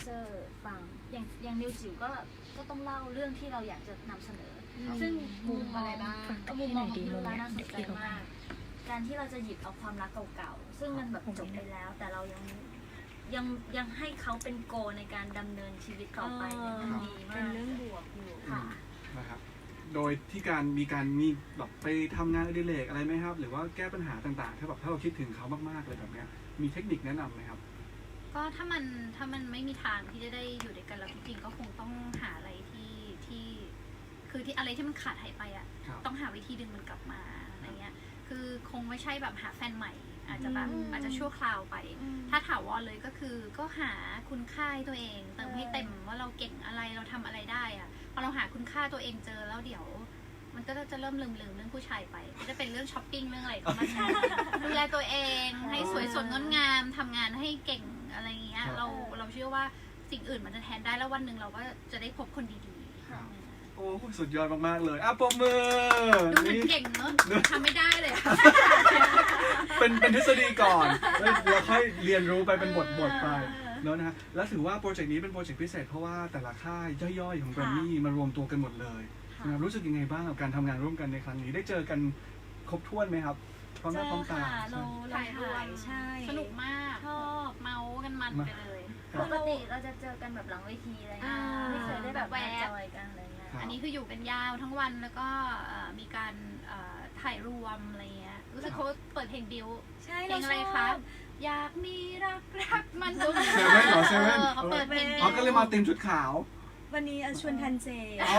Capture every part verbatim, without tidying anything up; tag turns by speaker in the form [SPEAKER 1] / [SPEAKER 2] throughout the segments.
[SPEAKER 1] เซอร์ฟังอย่างอย่างนิวจิ๋วก็ก็ต้องเล่าเรื่องที่เราอยากจะนำเสนอซึ่งมุมอะไรบ้างมุมมองของพี่ลูล่าน่าสนใจมากการที่เราจะหยิบเอาความรักเก่าๆซึ่งมันแบบจบไปแล้วแต่เรายังยังยังให้เขาเป็นโกในการดำเนินชีวิตต่อไปมันดีมากเป็นเรื่องบวกอยู่ค่ะ
[SPEAKER 2] นะครับโดยที่การมีการมีแบบไปทำงานอดิเรกอะไรไหมครับหรือว่าแก้ปัญหาต่างๆถ้าแบบถ้าเราคิดถึงเขามากๆเลยแบบเนี้ยมีเทคนิคแนะนำไหมครับ
[SPEAKER 3] ก็ถ้ามันถ้ามันไม่มีทางที่จะได้อยู่ด้วยกันแล้วจริงๆก็คงต้องหาอะไรที่ที่คือที่อะไรที่มันขาดหายไปอ่ะต้องหาวิธีดึงมันกลับมาอะไรเงี้ยคือคงไม่ใช่แบบหาแฟนใหม่อาจจะแบบอาจจะชั่วคราวไปถ้าถาวรเลยก็คือก็หาคุณค่าตัวเองเติมให้เต็มว่าเราเก่งอะไรเราทำอะไรได้อะพอเราหาคุณค่าตัวเองเจอแล้วเดี๋ยวมันก็จะเริ่มลืมลืมเรื่องผู้ชายไปก็จะเป็นเรื่องช้อปปิ้งเรื่องอะไรก็มาดูแลตัวเองให้สวยสดงดงามทำงานให้เก่งอะไรเงี้ยเราเราเชื่อว่าสิ่งอื่นมันจะแทนได้แล้ววันหนึ่งเราก็จะได้พบคนดีๆ
[SPEAKER 2] โอ้สุดยอดมากๆเลยอ่ะปรบมือ
[SPEAKER 3] ดูเหมือนเก่งเนอะทำไม่ได้เลย
[SPEAKER 2] เป็นเป็นทฤษฎีก่อนแล้วค่อยเรียนรู้ไปเป็นบทบทไปเนอะนะฮะแล้วถือว่าโปรเจกต์นี้เป็นโปรเจกต์พิเศษเพราะว่าแต่ละค่ายย่อยๆของแกรมมี่มารวมตัวกันหมดเลยนะครับรู้สึกยังไงบ้างกับการทำงานร่วมกันในครั้งนี้ได้เจอกันครบถ้วนไหมครับพร้อมหน้าพร้อมตา
[SPEAKER 1] เราถ่ายด้วยใช่
[SPEAKER 3] สนุกมากชอบเมากันมันไปเลย
[SPEAKER 1] ปกติเราจะเจอกันแบบหลังเวทีอะไรเงี้ยไม่เคยได้แบบแวะจอยกันอะไรเงี้ย
[SPEAKER 3] อันนี้คืออยู่กันยาวทั้งวันแล้วก็มีการถ่ายรวมอะไรเงี้ยรู้สึกเขาเปิดเพลงบิวเพลงอะไรคะอยากมีรักรักมัน
[SPEAKER 2] เซเว่นเหรอเซเว่น
[SPEAKER 3] เขาเปิดเพลงบิว
[SPEAKER 2] เขาก็เลยมาเต็มชุดขาว
[SPEAKER 4] วันนี้ชวนทันเจ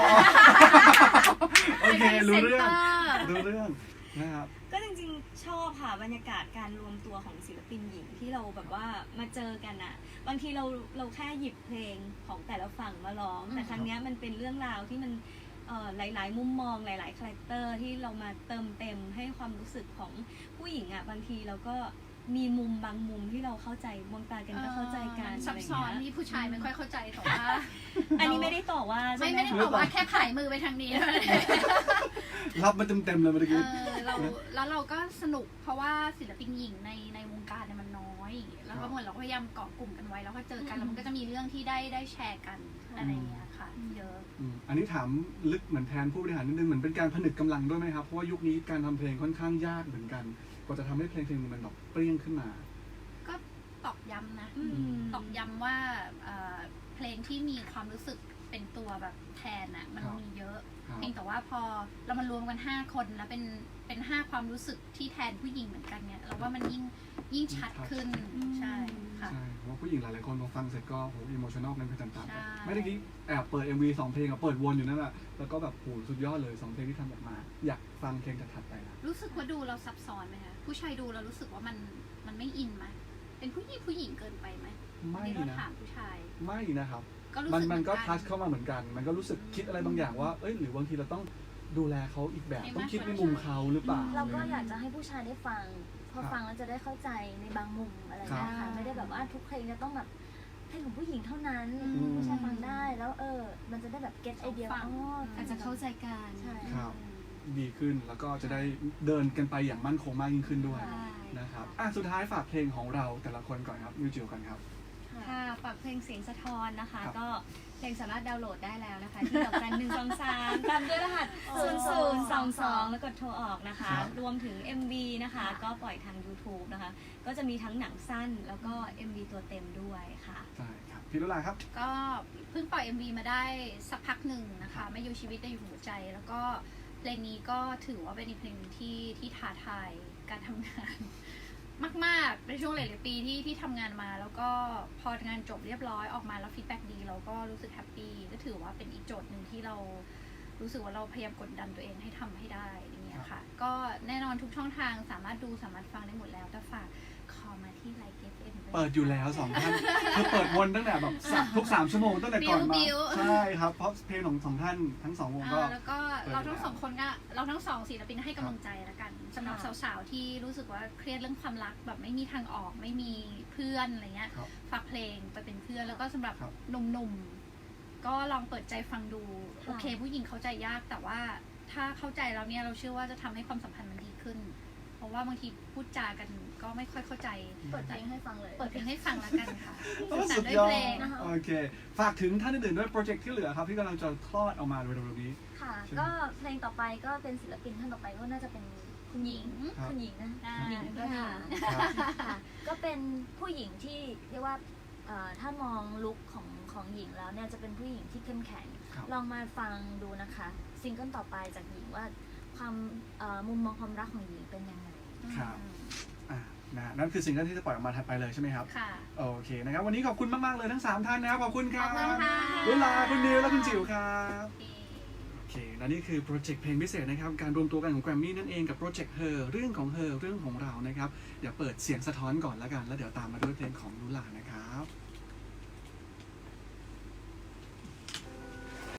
[SPEAKER 2] โอเครู้เรื่องรู้เรื่องนะครับ
[SPEAKER 4] ก็จริงๆชอบค่ะบรรยากาศการรวมตัวของศิลปินหญิงที่เราแบบว่ามาเจอกันอะบางทีเราเราแค่หยิบเพลงของแต่ละฝั่งมาร้องแต่ครั้งนี้มันเป็นเรื่องราวที่มันหลายๆมุมมองหลายๆคาแรคเตอร์ที่เรามาเติมเต็มให้ความรู้สึกของผู้หญิงอะบางทีเราก็มีมุมบางมุมที่เราเข้าใจมองตากันก็เข้าใจกัน
[SPEAKER 3] ซับซ้อนที่ผู้ชายไม่ค่อยเข้าใจแต่ว่า
[SPEAKER 4] อันนี้ไม่ได้ต่อว่า
[SPEAKER 3] ไม่ไม่ได้ต่อว่าแค่ผายมือไปทางนี้
[SPEAKER 2] รับมาเต็มๆเลยเมื่อกี้
[SPEAKER 3] เราแล้วเราก็สนุกเพราะว่าศิลปินหญิงในในวงการเนี่ยมันน้อยแล้วก็เหมือนเราพยายามเกาะกลุ่มกันไว้แล้วก็เจอกันแล้วมันก็จะมีเรื่องที่ได้ได้แชร์กันอะไรอย่างเงี้ยค่ะเยอะ
[SPEAKER 2] อันนี้ถามลึกเหมือนแทนผู้บริหารนิดนึงเหมือนเป็นการผนึกกำลังด้วยไหมครับเพราะว่ายุคนี้การทำเพลงค่อนข้างยากเหมือนกันกว่าจะทำให้เพลงเพลงนึงมันแบบเปรี้ยงขึ้นมา
[SPEAKER 3] ก็ตอกย้ำนะตอกย้ำว่าเพลงที่มีความรู้สึกเป็นตัวแบบแทนอ่ะมันมีเยอะเพียงแต่ว่าพอเรามารวมกันห้าคนแล้วเป็นเป็นห้าความรู้สึกที่แทนผู้หญิงเหมือนกันเนี่ยเราว่ามันยิ่งยิ่งชัดขึ้นใช่ค่ะ
[SPEAKER 2] ใช่เพราะผู้หญิงหลายๆคนพอฟังเสร็จก็โหอิโมชั่นอลกันไปตามๆกันไม่ได้กี้แอบเปิด เอ็ม วี สองเพลงอะเปิดวนอยู่นั่นแหละแล้วก็แบบโหสุดยอดเลยสองเพลงที่ทำออกมาอยากฟังเพลงถัดๆไปละ
[SPEAKER 3] รู้สึกว่าดูเราซับซ้อนไหมคะผู้ชายดูเรารู้สึกว่ามันมันไม่อินไหมเป็นผู้หญิงผู้หญิงเกินไปไหม
[SPEAKER 2] ไม่นะ
[SPEAKER 3] ถามผู้ชาย
[SPEAKER 2] ไม่นะครับมันมันก็ทัชเข้ามาเหมือนกันมันก็รู้สึกคิดอะไรบางอย่างว่าเอ้ยหรือบางทีเราต้องดูแลเขาอีกแบบต้องคิดในมุมเขาหรือเปล่า
[SPEAKER 1] เราก็อยากจะให้ผู้ชายได้ฟังพอฟังแล้วจะได้เข้าใจในบางมุมอะไรนะคะไม่ได้แบบว่าทุกเพลงจะต้องแบบเพลงของผู้หญิงเท่านั้นผู้ชายฟังได้แล้วเออมันจะได้แบบเก็ตไอเดียอ๋อ
[SPEAKER 4] อาจจะเข้าใจกัน
[SPEAKER 1] ใช่
[SPEAKER 2] ครับดีขึ้นแล้วก็จะได้เดินกันไปอย่างมั่นคงมากยิ่งขึ้นด้วยนะครับอ่ะสุดท้ายฝากเพลงของเราแต่ละคนก่อนครับมิวจิวกันครับ
[SPEAKER 4] ค่ะฝากเพลงเสียงสะท้อนนะคะก็เพลงสามารถดาวน์โหลดได้แล้วนะคะที่ดอกจันหนึ่งสองสามตามด้วยรหัสศูนย์ศูนย์สองสองแล้วกดโทรออกนะคะรวมถึง เอ็ม วี นะคะก็ปล่อยทาง ยูทูบ นะคะก็จะมีทั้งหนังสั้นแล้วก็ เอ็ม วี ตัวเต็มด้วยค่ะ
[SPEAKER 2] ใช่ครับพี่ลุลาครับ
[SPEAKER 3] ก็เพิ่งปล่อย เอ็ม วี มาได้สักพักหนึ่งนะคะไม่อยู่ชีวิตแต่อยู่หัวใจแล้วก็เพลงนี้ก็ถือว่าเป็นอีกเพลงที่ที่ท้าทายการทำงานมากๆในช่วงหลายๆปีที่ที่ทำงานมาแล้วก็พองานจบเรียบร้อยออกมาแล้วฟีดแบ็กดีเราก็รู้สึกแฮปปี้ก็ถือว่าเป็นอีกโจทย์หนึ่งที่เรารู้สึกว่าเราพยายามกดดันตัวเองให้ทำให้ได้อย่างเงี้ยค่ะก็แน่นอนทุกช่องทางสามารถดูสามารถฟังได้หมดแล้วแต่ฝากขอมาที่ไลค์เกฟเอ็ม
[SPEAKER 2] เปิดอยู่แล้วสองท่านคือเปิดวนตั้งแต่แบบทุกสามชั่วโมงตั้งแต่ก่อนมาใช่ครับเพราะเพลงของสองท่านทั้งสองวงก็
[SPEAKER 3] แล้วก็เราทั้งสองคนก็เราทั้งสองศิลปินให้กำลังใจแล้วกันสำหรับสาวๆที่รู้สึกว่าเครียดเรื่องความรักแบบไม่มีทางออกไม่มีเพื่อนอะไรเงี้ยฝากเพลงไปเป็นเพื่อนแล้วก็สำหรับหนุ่มๆก็ลองเปิดใจฟังดูโอเคผู้หญิงเข้าใจยากแต่ว่าถ้าเข้าใจแล้วเนี่ยเราเชื่อว่าจะทำให้ความสัมพันธ์มันดีขึ้นเพราะว่าบางทีพูดจากันก็ไม่ค่อยเข้าใจ
[SPEAKER 1] เปิดเพลงให้ฟังเลย
[SPEAKER 3] เปิดเพลงให้ฟังแล้วกันค่ะ
[SPEAKER 2] โอ้
[SPEAKER 3] สื่อสาร
[SPEAKER 2] สุด
[SPEAKER 3] ด้วย
[SPEAKER 2] ยอ
[SPEAKER 3] เพ
[SPEAKER 2] ด
[SPEAKER 3] ลง
[SPEAKER 1] นะคะ
[SPEAKER 2] โอเค ฝากถึงท่านอื่นๆด้วยโปรเจกต์ที่เหลือครับที่กำลังจะคลอดออกมาเร็วๆนี้
[SPEAKER 1] ค่ะ
[SPEAKER 2] ใช่ไหม
[SPEAKER 1] ก็เพลงต่อไปก็เป็นศิลปินท่านต่อไปก็น่าจะเป็นคุณหญิง
[SPEAKER 2] ครับ
[SPEAKER 1] คุณหญิงนะ
[SPEAKER 3] อ่า
[SPEAKER 1] หญิงก็ค่ะ
[SPEAKER 2] ครับ
[SPEAKER 1] ค่ะก็เป็นผู้หญิงที่เรียกว่าเอ่อถ้ามองลุคของของหญิงแล้วเนี่ยจะเป็นผู้หญิงที่เข้มแข็ง
[SPEAKER 2] ครับ
[SPEAKER 1] ลองมาฟังดูนะคะซิงเกิลต่อไปจากหญิงว่าความเอ่อมุมมองความรักของหญิงเป็นยังไง
[SPEAKER 2] ครับ อ่านะนั่นคือสิ่งที่จะปล่อยออกมาถัดไปเลยใช่ไหมครับ
[SPEAKER 3] ค่ะ
[SPEAKER 2] โอเคนะครับ วันนี้ขอบคุณมาก ๆ เลยทั้ง สาม ท่านนะครับ ขอบคุณครับ
[SPEAKER 3] ขอบคุณค่ะ
[SPEAKER 2] ลุลาคุณนิวและคุณจิ๋วครับ โอเค และนี่คือโปรเจกต์เพลงพิเศษนะครับ การรวมตัวกันของแกรมมี่นั่นเองกับโปรเจกต์เฮอเรื่องของเฮอเรื่องของเรานะครับ เดี๋ยวเปิดเสียงสะท้อนก่อนแล้วกัน แล้วเดี๋ยวตามมาด้วยเพลงของลุลานะครับ